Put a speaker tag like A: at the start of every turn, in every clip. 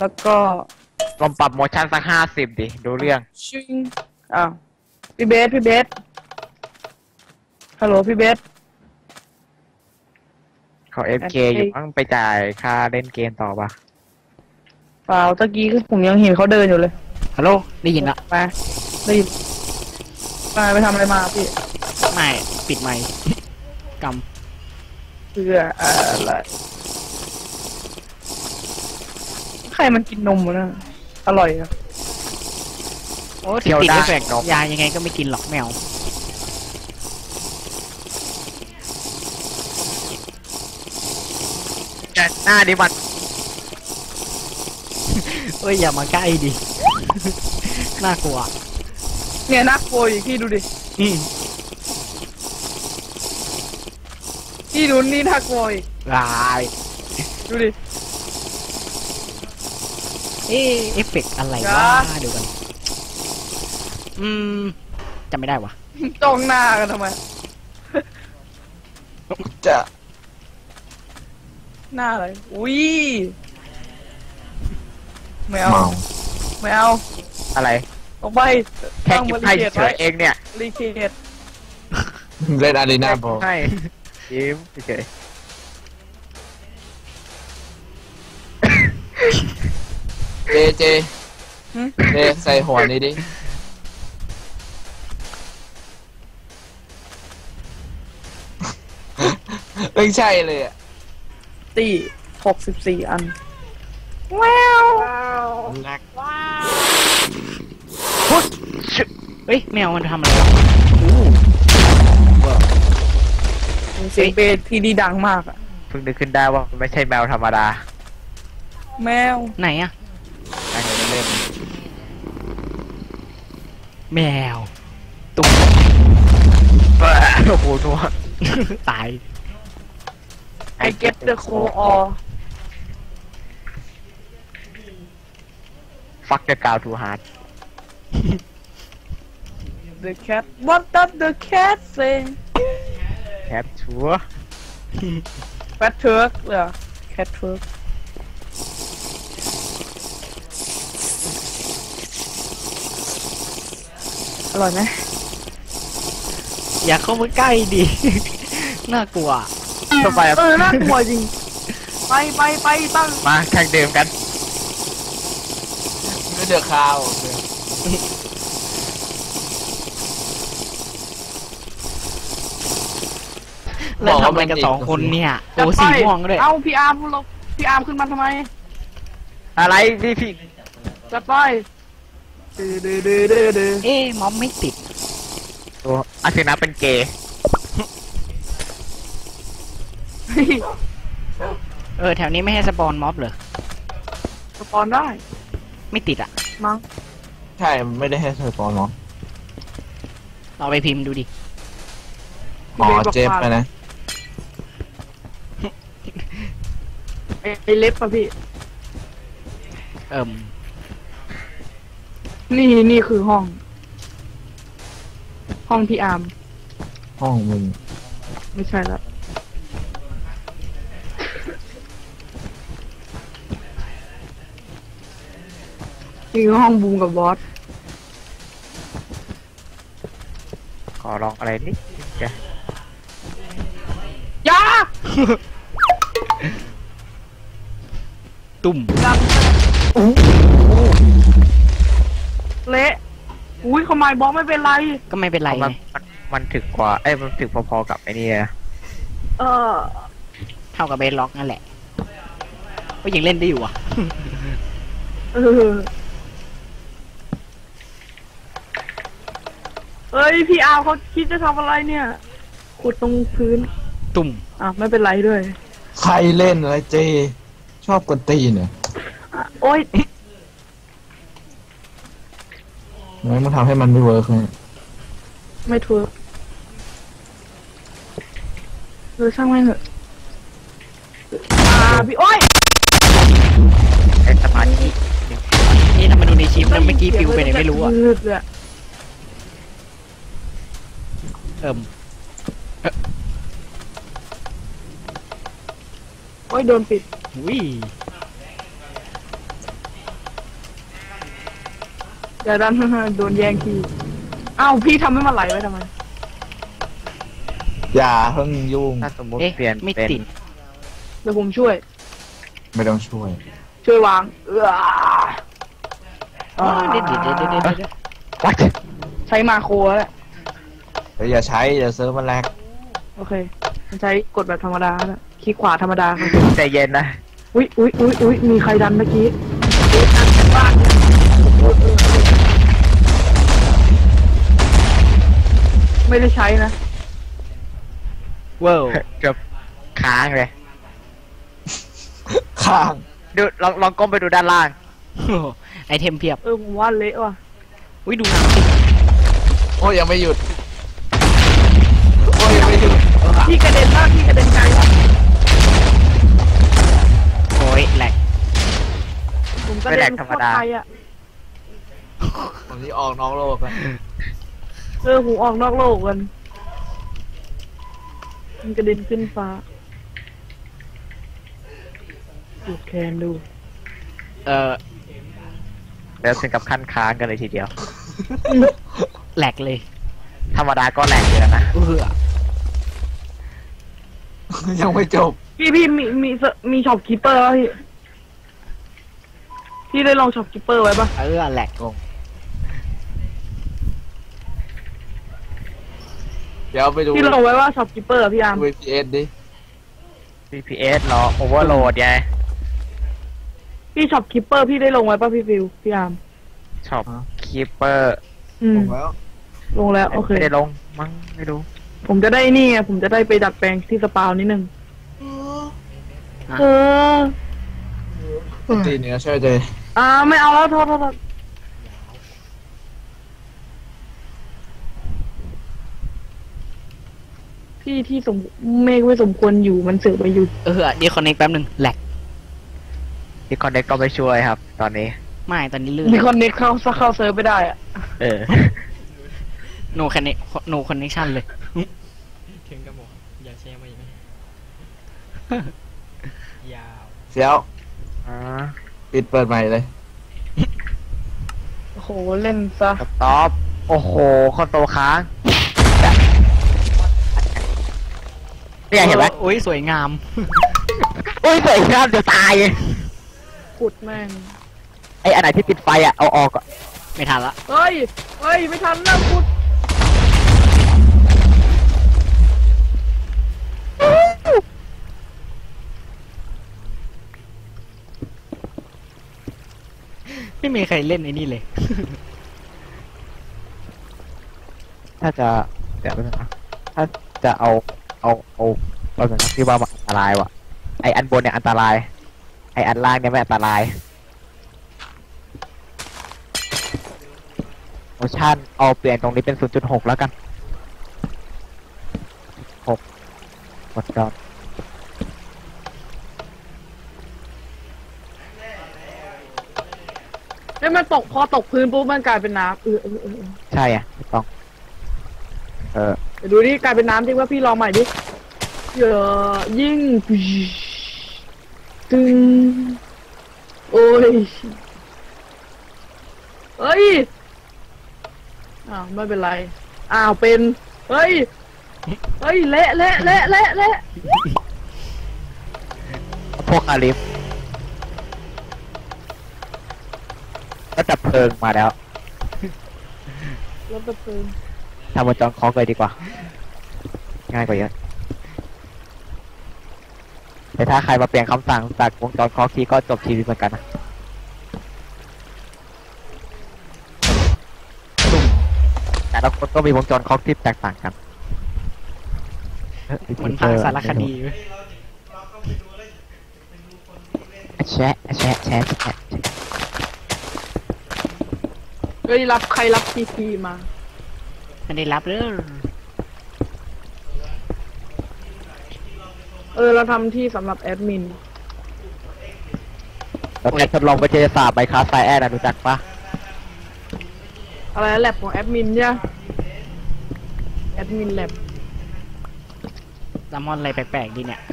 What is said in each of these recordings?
A: แล้วก็
B: ลองปรับโมชั่นสัก50ดิดูเรื่อง
A: ชิงอ้าวพี่เบสฮัลโหลพี่เบส
B: เขาFKอยู่มั้งไปจ่ายค่าเล่นเกมต่อปะ
A: เปล่าตะกี้คือผมยังเห็นเขาเดินอยู่เลย
C: ฮัลโหลได้ยินละ
A: ไปได้ยินไปทำอะไรมาพี่
C: ไม่ปิดไมค์ก
A: เพื่ออะไรใครมันกินนมวะนะอร่อยอะ
C: ำโอ้ถึงติดเอฟเฟกต์ยายังไงก็ไม่กินหรอกแมว
B: หน้าดิมัน
C: เอ้ยอย่ามาใกล้ดิ น่ากลัว
A: เนี่ยน่ากลัวอีกพี่ดูดิพี่ดูนี่น่ากลัวอีก
C: ลาย
A: ดูดิ
C: เอฟเฟกต์อะไร
A: จ้า
C: วะเดี๋ยวกันจำไม่ได้วะ
A: จ้องหน้ากันทำไม
B: จะ
A: หน้าอะไรอุ้ยไม่เอาไม่เอา
B: อะไร
A: ออกไป
B: แค่
A: ตั้ง
B: กิ
A: บ
B: น
A: ริ
B: ไพ่
A: เกต
B: เฉ
A: ไว้
B: ยเองเนี่ย
A: บริเกต
D: เล่นอารีนาบอล
B: ให้ยิ้มเฉย
D: เจใส่หัวนี้ดิไม่ใช่เลยอ่ะ
A: ตี64 อันว้าว
D: นัก
C: เฮ้ยแมวมันทำอะไรวะ
A: เสียงเบสที่ดีดังมากอะ
B: เพิ่งนึกขึ้นได้ว่ามันไม่ใช่แมวธรรมดา
A: แมว
C: ไหนอะ
B: อันนี้เล่น
C: แมวตุ๊ก
B: โอ้โหนัว
C: ตาย
A: I get the call or
B: ฟักจะกาวทูฮาร์ด
A: the cat what does the cat say
B: แคปชัว
A: fat turk เหรอ cat turk อร่อยไหม
C: อย่าเข้ามาใกล้ดิ น่ากลัว
B: ต่อไป
A: น่ากลัวจริง ไปตั้ง
B: มาแข่งเดิมกัน
D: ไม่เดือดข้าว
C: แล้วทำอะไรกัน2 คนเนี่ยโอ้สีม่วงด้วย
A: เอ้าพี่อาร์มเราพี่อาร์มขึ้นมาทำไม
B: อะไรพี่
A: จะไปดื้อ
C: มอมไม่ติด
B: ตัวอาชินะเป็นเกย์
C: แถวนี้ไม่ให้สปอนม็อบเหรอ
A: สปอนได้
C: ไม่ติดอ่ะ
A: มั้ง
D: ใช่ไม่ได้ให้ใส่ปอนเนาะ
C: เราไปพิมพ์ดูดิ
D: อ๋อเจ็บไปนะ
A: ไอเล็บป่ะพี่ นี่คือห้องพี่อาร์ม
D: ห้องมึง
A: ไม่ใช่แล้วนี่คือห้องบูมกับบอส
B: ขอลองอะไรนิดจะ
A: ยา
C: ตุ่ม
A: ดังเละอุ้ยขมายบล็อกไม่เป็นไร
C: ก็ไม่เป็นไร
B: มันถึกกว่ามันถึกพอๆกับไอ้นี่นะ
C: เท่ากับเบสล็อกนั่นแหละก็ยังเล่นได้อยู่อ่ะ
A: เฮ้ยพี่อาร์มเขาคิดจะทำอะไรเนี่ยขุดตรงพื้น
C: ตุ่ม
A: ไม่เป็นไรด้วย
D: ใครเล่นอะไรเจ ชอบกวนตีนเนี่ย
A: โอ๊ย
D: งั้นมันทำให้มันไม่เวิร์กเลย
A: ไม่ถูกช่างไม่เถอะพี่โอ๊ย
B: ไอ้สมาธิ
C: นี่ทำมาดูในชิปแล้วเมื่อกี้ปิวไปไหนไม่รู้อ่ะ
A: โอ๊ยโดนปิด
C: วิ
A: อย่าดัน โดนแย่งทีอ้าวพี่ทำให้มันไหลไว้ทำไม
D: อย่าเพิ่งยุ่ง
B: ถ้าสมมติ
C: เอ๊ะ
B: เปลี่ยน
C: ไม่
B: เป็น
C: ติด
A: เดี๋ยวผมช่วย
D: ไม่ต้องช่วย
A: ช่วยวาง
C: เดี๋ยว
B: วัด
A: ใช้มาโครแล้วแหละ
D: เดี๋ยวอย่าใช้เดี๋ยวเซิร์ฟมันแลก
A: โอเคมันใช้กดแบบธรรมดาแล้วคลิกขวาธรรมดาครับ
B: ใจเย็นนะ
A: อุ๊ยมีใครดันเมื่อกี้ไม่ได้ใช้นะ
C: ว้าว
B: เกือบค้างเลย
D: ข้าง
B: ดูลองก้มไปดูด้านล่าง
C: ไอเทมเพียบ
A: ผมว่าเละว่ะ
C: อุ้ยดูน้ำสิ
D: โอ้ยยังไม่หยุดโอ้ยยังไม่หยุด
A: พี่กระเด็นมากพี่กระเด็นไกลว่ะ
C: โอ้ยแหลก
A: ผมกระเด็นโคตรไกลอ่ะ
D: ผมนี่ออกนอกโลกแล้ว
A: ผมออกนอกโลกกันมันกระเด็นขึ้นฟ้าดูแคนดู
B: แล้วถึงกับขั้นค้างกันเลยทีเดียว
C: แหลกเลย
B: ธรรมดาก็แหลกอยู่แล้วนะ
D: ยังไม่จบ
A: พี่มีช็อปคีเปอร์ป่ะพี่ได้ลองช็อปคีเปอร์ไว้ป่ะ
C: แหลกงง
D: เดี๋ยวไปดู
A: พี่ลองไว้ว่าช็อปคีเปอร์พี่อาร์ม
D: VPS ดิ
B: VPS เหรอโอเวอร์โหลดไง
A: พี่ช็อปคีเปอร์พี่ได้ลงไว้ป่ะพี่ฟิวพี่อาร์ม
B: ช็อปคีเปอร์
D: ผมแล้ว
A: ลงแล้วโอเค
B: ไม่ได้ลงมั้งไม่รู้
A: ผมจะได้นี่ไงผมจะได้ไปดัดแปลงที่สปาวนิดนึงเออ
D: ตีเนื้อช่วยเจ
A: ไม่เอาแล้วโทษพี่ที่เมฆไม่สมควรอยู่มันเสือกไปอยู่
C: เดี๋ยวคอนเนคแป๊บหนึ่งแหลก
B: ดิคอนเน็กก็ไม่ช่วยครับ ตอนนี้
C: ไม่ตอนนี้ลื่น
A: มีคอนเน็กเข้าเซิร์ฟไม่ได้อะ
B: เออ
C: โนคอนเนคโนคอนเนคชั่นเลย
E: ถึงกับบอกอย่าแชร์มาอีกไหม ยาว
D: เสียว
B: อ่า
D: ปิดเปิดใหม่เลย
A: โอ้โหเล่นซะ
B: สต็อปโอ้โหคอนโซลค้างเนี่ยเห็นไหม
C: โอ้ยสวยงาม
B: โอ้ยสวยงามจะตาย
A: ขุดแม่ง
B: ไออันไหนที่ติดไฟอ่ะเอาออกก่อน
C: ไม่ทันละ
A: เฮ้ยไม่ทันนะขุด
C: ไม่มีใครเล่นไอ้นี่เลย
B: ถ้าจะเดี๋ยวนะถ้าจะเอาเราเหมือนที่ว่ามันอันตรายว่ะไออันบนเนี่ยอันตรายไออันล่างเนี่ยไม่อันตรายโอชั่นเอาเปลี่ยนตรงนี้เป็น 0.6 แล้วกัน6กดจอด
A: มันตกพอตกพื้นปุ๊บมันกลายเป็นน้ำ
B: ใช่อ่ะถูกต้อง
A: เดี๋ยวดูดิกลายเป็นน้ำจริงว่าพี่ลองใหม่ดิยิ่งตึงโอ้ยเฮ้ยไม่เป็นไรเป็นเฮ้ยเละ
B: พวกอาลิฟก็ดับเพลิงมาแล้ว
A: รถดับเพลิง
B: ทำบนจอนคอกเลยดีกว่า ง่ายกว่าเยอะแต่ถ้าใครมาเปลี่ยนคำสั่งจากวงจรคอกทีก็จบชีวิตเหมือนกันนะแต่ละคนก็มีวงจรคอกที่แตกต่างกัน
C: คนพาสารคดีเว้ย
B: แชะ
A: เฮ้ยใครรับทีมา
C: ไม่ได้รับเลย
A: เราทำที่สำหรับแอดมิน
B: แล้วแกทดลองวิทยาศาสตร์ไบคลาสไซแอนรู้จักปะ
A: อะไรแลบของแอดมินเนี่ยแอดมินแลบ
C: แซลมอนอะไรแปลกๆดีเนี่ย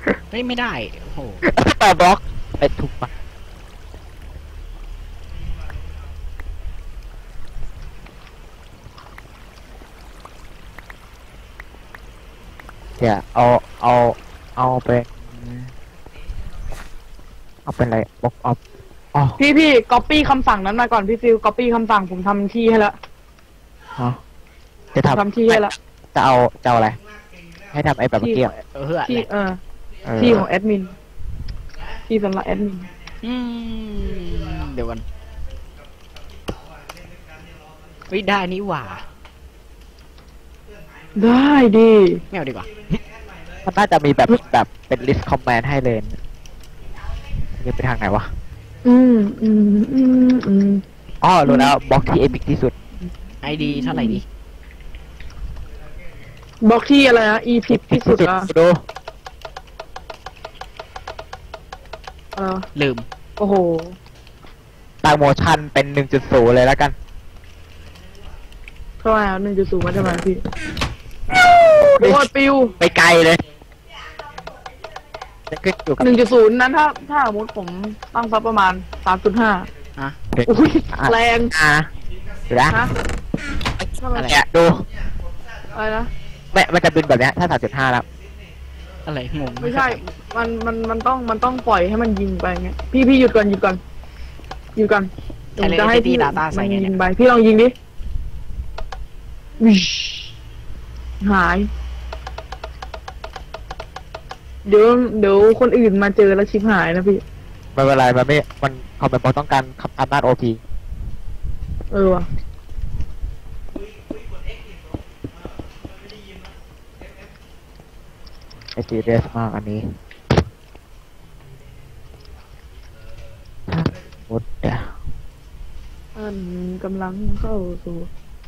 C: เฮ้ยไม่ได้โอ้โห
B: แต่บล็อกไปถูกปะเดี๋ยวเอาเป็นอะไรบล็อกออฟอ๋อ
A: พี่ก๊อปปี้คำสั่งนั้นมาก่อนพี่ฟิลก๊อปปี้คำสั่งผมทำที่ให้แล้ว
B: ฮะจะทำ
A: ทำที่ให้แล้ว
B: จะเอาอะไร ให้ทำไอ้แบบเมื่อกี้อะ
C: เพื่อ
A: ที่
C: แหละ
B: เออ
A: ที่ของแอดมินที่สำหรับแอดมิน
C: อืมเดี๋ยวกันเฮ้ยได้นี่หว่า
A: ได้ดิ
C: ไม่เอาดีกว่า
B: มันน่าจะมีแบบเป็น list command ให้เลยนี่ไปทางไหนวะ
A: อืม
B: อ๋อรู้แล้วบล็อกที่เอพิกที่สุด
C: ไอดีเท่าไหร่ดี
A: บล็อกที่อะไรนะอีพิกที่สุดอะ
B: ดู
C: ลืม
A: โอ้โห
B: ตางโมชั่นเป็น 1.0 เลยแล้วกัน
A: เท่าไหร่1.0มาทำไมพี่โอ้ยปิว
B: ไปไกลเลยจะขึ้นอยู่กับ
A: 1.0นั้นถ้าสมมติผมตั้งซับประมาณ 3.5
C: อ่ะ
A: อุ้ยแรง
B: ดูนะ
A: ฮะทำไม
C: อะไร
B: เนี่ยดู
A: อะไรนะ
B: ไม่มันจะบินแบบเนี้ยถ้า 3.5 แล้ว
C: อะไรงง
A: ไม่ใช่ มันต้องปล่อยให้มันยิงไปไงพี่หยุดก่อนผมจะให้พี่มันยิงไปพี่ลองยิงดิวิชหาย เดี๋ยวคนอื่นมาเจอแล้วชิบหายนะพี่
B: ไม่เป็นไรมันคอมเมนต์บอกต้องการอำนาจ OP
A: ว่ะ
B: ไอซีเรียสมากอันนี้หมดเดี๋ยว
A: อันกำลังเข้าสู่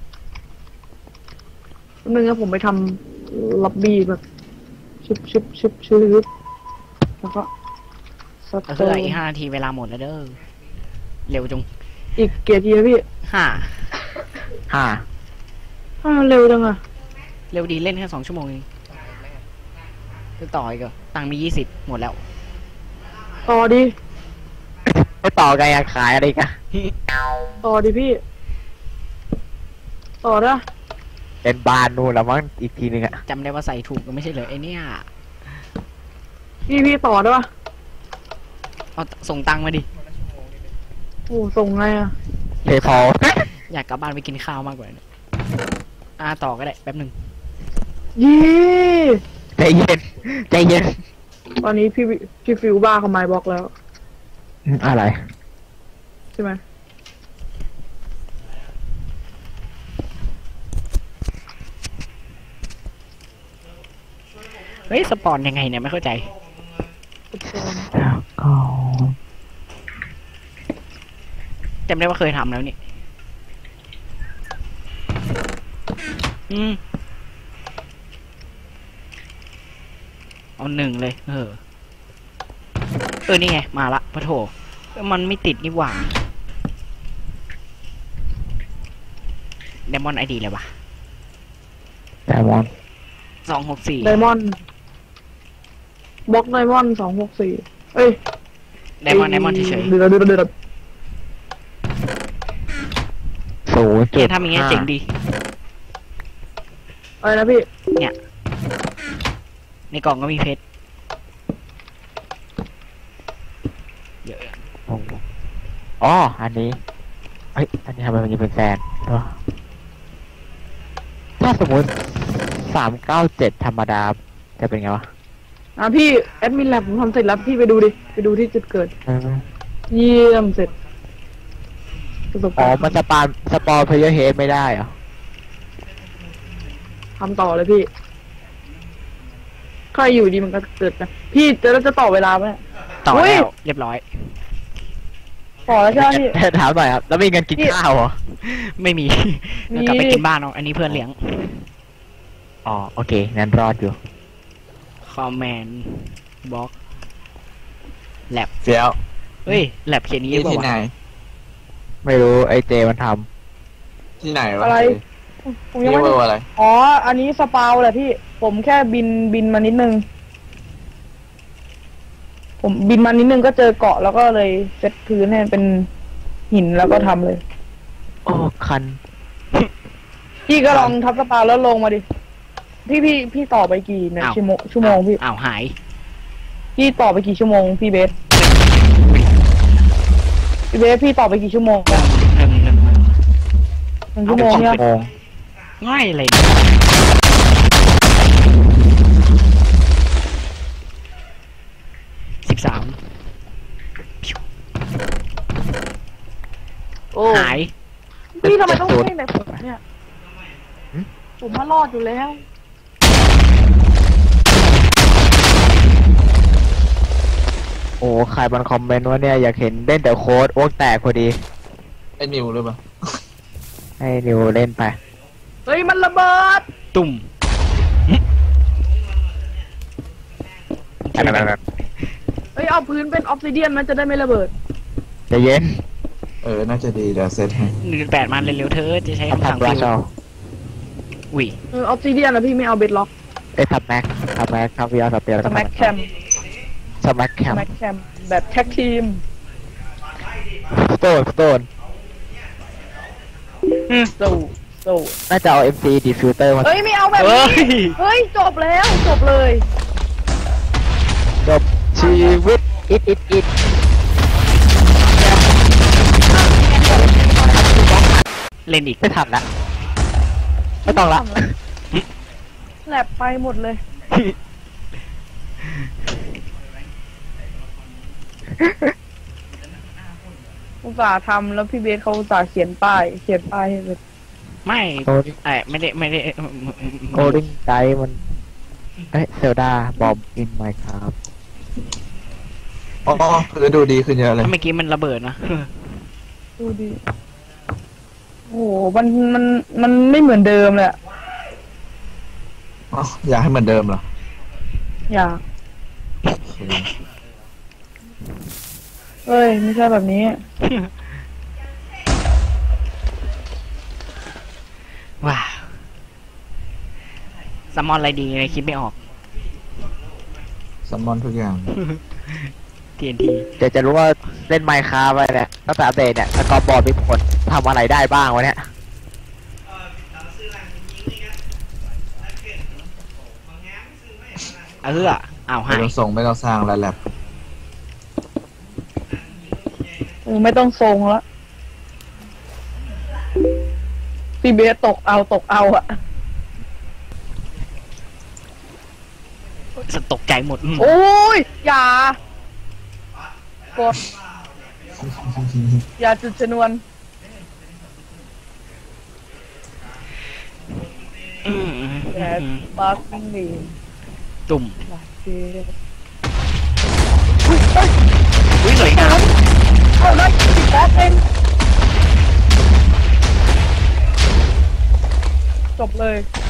A: นึงนะผมไปทำล็อบบี้แบบชุบแล้วก็ส
C: เอา
A: โต
C: เพื่ออีก5 นาทีเวลาหมดแล้วเด้อเร็วจง
A: อีกเกียร์ทีนะพี่
C: 5
A: เร็วจังอะ
C: เร็วดีเล่นแค่2 ชั่วโมงเองจะต่ออีกเหรอตังค์มี20หมดแล้ว
A: ต่อดิ
B: ไม่ต่อไงอะขายอะไรกัน
A: ต่อดิพี่ ต่อนะ
B: เป็นบานนู่นแล้วมั้งอีกทีนึงอะ
C: จำได้ว่าใส่ถูกก็ไม่ใช่เหรอไอเนี่ย
A: พี่ต่อได้ปะ
C: เอาส่งตังค์มาดิ
A: โอ้ส่งไงอะ
B: เพย์พอล
C: อยากกลับบ้านไปกินข้าวมากกว่าเนี่ยต่อก็ได้แป๊บหนึ่ง
A: เย้
B: ใจเย็น
A: ตอนนี้พี่ฟิวบ้าเขาไม้บล็อกแล้ว
B: อะไร
A: ใช่ไหม
C: เฮ้ยสปอนยังไงเนี่ยไม่เข้าใจจำได้ว่าเคยทำแล้วนี่เอา1เลยนี่ไงมาละพะโถมันไม่ติดนี่หว่าเดมอนไอดีเลยวะ
B: ไดมอนด์
C: 264
A: ไดมอนด์บล็อกไดมอนด์264เอ้ย
C: ไดมอนด์เฉย
A: เดือด
C: ๆทำอย่างเงี้ยเจ๋งดี
A: อะไรนะพี่
C: ในกล่องก็มีเพชรเยอะ
B: อ๋ออันนี้เฮ้ยอันนี้ทำไมมันยังเป็นแฟนถ้าสมมติ397ธรรมดาจะเป็นไงวะ
A: พี่แอดมินแลบผมทำเสร็จแล้วพี่ไปดูดิไปดูที่จุดเกิด เยี่ยมเสร็จประสบ
B: อ๋อ
A: การณ์
B: มันสปอร์เพลเยอร์เฮดไม่ได้เหรอ
A: ทำต่อเลยพี่ใครอยู่ดีมันก็เกิดนะพี่จะต่อเวลาไหม
C: ต่อ
A: เฮ้ย
C: แล้วเรียบร้อย
A: ต่อแล้วใช่ไหมพี่
B: ถามหน่อยครับ แล้วมีเงินกินข้าวเหรอ
C: ไม่มี
A: มี
C: เรากลับไปกินบ้านเอาอันนี้เพื่อนเลี้ยง
B: อ๋อ โอเค งั้นรอดอยู่
C: คอมแมนด์บล็อกแลบ
D: เฟี้ยว
C: เฮ้ยแลบเขียนนี้
D: นี่
C: เปล่า
D: ที่ไหน
C: วะ
B: ไม่รู้ไอเจมันท
D: ที่ไหนวะ
A: อะไรผมยัง
D: นี่
A: ไม่
D: เวอร์อะไร
A: อ๋ออันนี้สปาวแหละพี่ ผมแค่บินมานิดนึงผมบินมานิดนึงก็เจอเกาะแล้วก็เลยเซตพื้นให้เป็นหินแล้วก็ทำเลย
B: โอ้คัน
A: พี่ก็ลองทับสปาแล้วลงมาดิ พี่ต่อไปกี่นะ
C: อ้าว
A: ชั่วโมงพี่
C: อ้าวหาย
A: พี่ต่อไปกี่ชั่วโมงพี่เบสพี่ต่อไปกี่ชั่วโมงอะ1 ชั่วโมงเนี่ย
B: โมง
C: ง่ายเลย13
D: โอ้
C: หาย
A: พี่ทำไมต้องให้แบบผมเนี่ย ผมมารอดอยู่แล้ว
B: โอ้ใครมันคอมเมนต์ว่าเนี่ยอยากเห็นเล่นแต่โค้ดโอ้แตกพอดี
D: ไอ้นิวหรือเปล่า
B: ให้นิวเล่นไป
A: เฮ้ยมันระเบิด
C: ตุ่ม
A: เฮ้ยเอาพื้นเป็นออฟซิเดียนมันจะได้ไม่ระเบิด
B: ใจะเย็น
D: น่าจะดีเดี๋ยวเซตให้
C: 1.8มันเร็วๆเธอจะใช้
B: ต้อง
C: คำสั่ง
B: ทำราชเอา
C: อุ้ย
A: ออฟซิเดียนนะพี่ไม่เอาเบดล็อก
B: ทำแม็กทำวีอาร์สเปียร์
A: สแม็กแคม
B: สแม็กแค
A: ส
B: ม
A: แม็กแคมแบบแท็กทีม
B: สโตน
A: สู้
B: น่าจะเอา MC Diffuser มา
A: เฮ้ยไม่เอาแบบ
C: เฮ้
A: นี้
C: ย
A: เฮ้ยจบแล้วจบเลย
B: จบชีวิตอิด
C: เล่นอีก
B: ไม่ทันละไม่ต้องละ
A: แลบไปหมดเลย อุตส่าห์ทำแล้วพี่เบสเขาอุตส่าห์เขียนป้ายให้เลย
C: ไม่
B: โกดิ้ง
C: ไม่ได้
B: โกดิ้งไกด์มันเซลดาบอมอินไมค์ครับ
D: อ๋อคือดูดีขึ้นเยอะเลย
C: เมื่อกี้มันระเบิดนะ
A: ดูดิโอ้โหมันไม่เหมือนเดิมเลยอะ
D: อ๋ออยากให้เหมือนเดิมเหรอ
A: อยาก
D: โอเค
A: เอ้ยไม่ใช่แบบนี้
C: ว้าวซัมมอนอะไรดีเลยคิดไม่ออก
D: ซัมมอนทุกอย่าง
C: TNT
B: เดี๋ยวจะรู้ว่าเล่นไมค์ครับไปเนี่ยตั้งแต่อัปเดตเนี่ยสกอร์บอร์ดมีผลทำอะไรได้บ้างวะเนี่ย
C: อ้าวหา
D: ไม่
C: ย
D: ต้องส่งไม่ต้องสร้างแล้วแลบ
A: ไม่ต้องทรงแล้วพี่เบสตกเอาอะ
C: สตกใจหมด
A: โอ้ยกดอย่าจุดชนวน แอดบาร์กิ้งลี
C: ตุ่ม
A: โอเค
C: อุ้ยสวยงาม
A: เอาได้10 แป๊บเองจบเลย